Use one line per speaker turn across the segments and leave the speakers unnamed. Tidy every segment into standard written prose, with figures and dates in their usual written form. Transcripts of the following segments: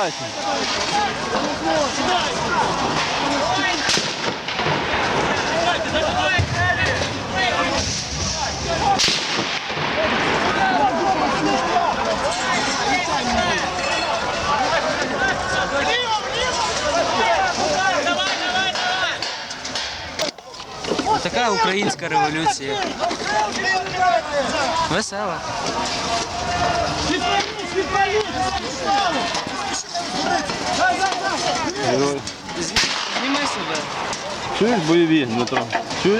сідайте.
Така українська революція. Весела. Зніми себе.
Чуєш бойові, Дмитро? Чуєш?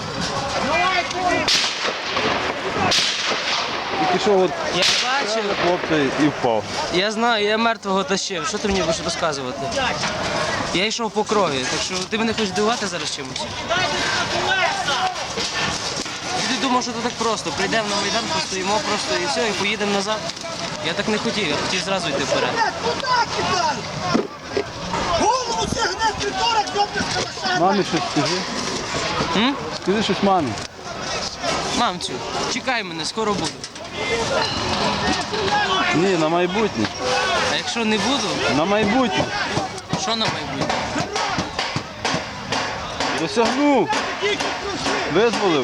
Тільки що от
Я бачив.
хлопця і впав.
Я знаю, я мертвого тащив. Що ти мені будеш розказувати? Я йшов по крові, так що ти мене хочеш дивувати зараз чимось? Ти думав, що це так просто. Прийдемо на Майдан, постоїмо просто і все, і поїдемо назад. Я так не хотів, я хотів зразу йти вперед.
Голову сягне притора, добре скалаша.
Мамі щось скажи. Скажи щось мамі.
Мамцю, чекай мене, скоро буду.
Ні, на майбутнє.
А якщо не буду,
На майбутнє.
що на майбутнє?
Досягнув. Визволив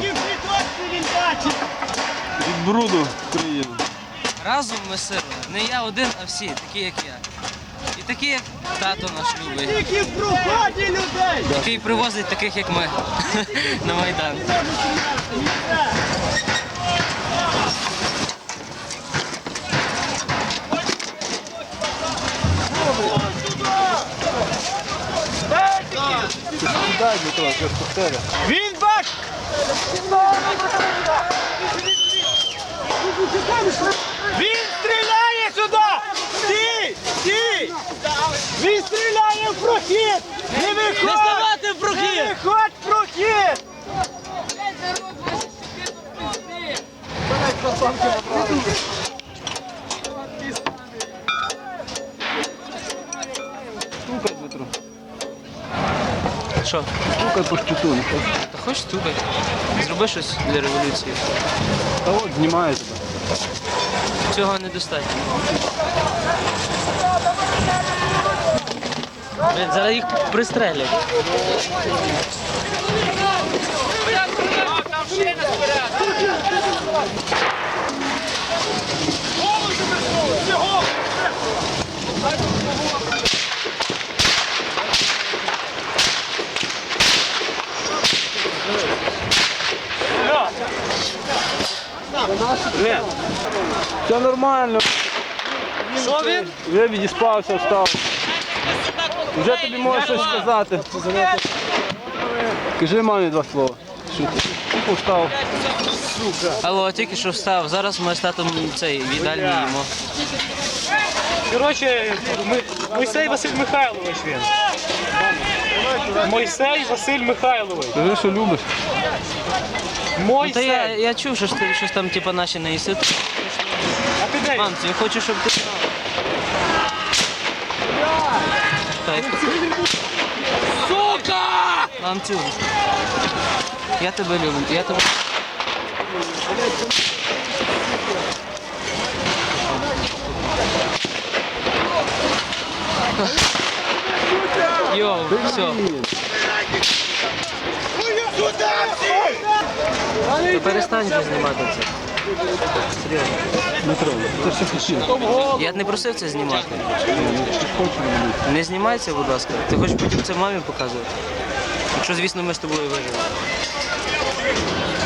від бруду країну.
Разом ми сила. Не я один, а всі, такі як я. І такі, як тато наш любить.
Тільки в проході людей.
Який привозить таких, як ми, на Майдан.
Дай, Дмитро, щось повтори.
Він бак! Він стріляє сюди! Стій! Стій! Він стріляє в прохід! Не виходь!
Не ставати в прохід!
Не виходь в прохід!
Стукай, Дмитро.
Що?
Стукай по щиту.
Та хочеш стукай? Зроби щось для революції.
Та от знімає тебе.
Цього недостатньо. Блін, зараз їх пристрелять.
Все нормально.
Що він?
Вже відіспався, встав. Вже тобі можу щось сказати. Кажи мамі два слова. Що ти? Тільки встав.
Алло, тільки що встав. Зараз ми з татом цей в їдальні їмо.
Коротше, Мойсей Василь Михайлович він. Мойсей Василь Михайлович.
Кажи, що любиш.
Ну, та я,
Мойсей.
я чув, що ж ти щось там типу, наші не їси.
А ти де?
Мамці, я хочу, щоб ти знав. Так.
Сука!
Мамцю, я тебе люблю. Я тебе... Йоу, все. Ти перестань вже знімати це. Серйозно.
Дмитро, ти що хотів?
Я не просив це знімати. Не знімай це, будь ласка. Ти хочеш потім це мамі показувати? Якщо, звісно, ми з тобою виживемо.